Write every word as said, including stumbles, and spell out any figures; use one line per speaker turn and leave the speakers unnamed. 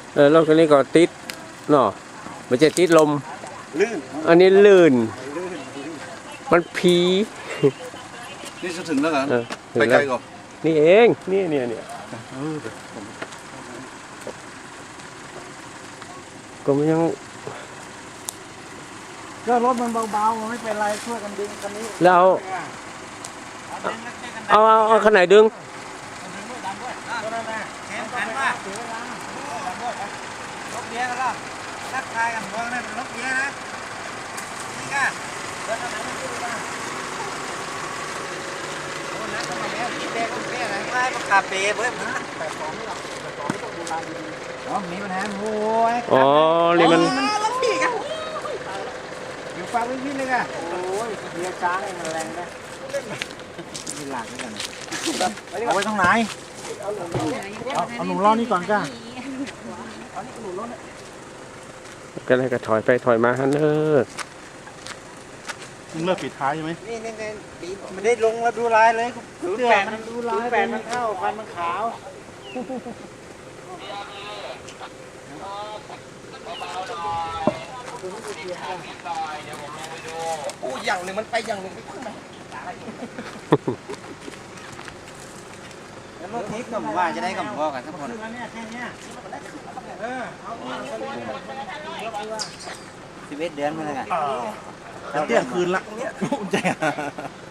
เออรถคันนี้ก็ติดเนาะไม่ใช่ติดลม
ลื่น
อันนี้ลื่น
ลื่น
มันผี
นี่จะถึงแล้วเหรอ
เออถึ
ไป
ง
ไกล
แล้ว
ก่อน
นี่เองนี่เนี่ยเนี่ย
เออเดี๋ยวผม
ก็มันยัง
ก็รถมันเบาๆไม่เป็นไรช่วยกันดึงคันนี้
แล้วเอาเอาเอาขนาดไหนดึง
ก็นั่นแหละแขนกันว่าเสียเวลาลบเบี้ยกันแล้วทักทายกันพวกนั้นลบเบี้ยนะนี่ก็เดินทางไหนไม่รู้นะโอ้นักทำไมเนี่ยกินแดงก็แค่ไหนไล่ก็คาเฟ่เว้ยมึงแต่ของไม่หรอกแต่ของไม่ต้องดูแลดีๆอ๋อมีปัญหาโอ้ย
อ๋อนี่มัน
แล้วพี่กันอยู่ฟังวิ่งๆเลยกันโอ้ยเบียร์ช้างนี่มันแรงนะมีหลักด้วยกันเอาไว้ตรงไหนเอาเอาหนูรอนี่ก่อนจ้า
ก็เลยก็ถอยไปถอยมาฮันเนอร์
มึงเลิกปิดท้ายใช่ไหม
นี่นี่นี่ไม่ได้ลงแล้วดูลายเลยศูนย์แปดมันดูลายแปดมันเข้าฟันมันขาวโอ้อย่างหนึ่งมันไปอย่างหนึ่งไปขึ้นมาแล้วเมื่อกี้ก็ว่าจะได้กับพ่อกันสักคนสิบเอ็ดเดือนมาแล้วกัน
เที่ยงคืนละใจ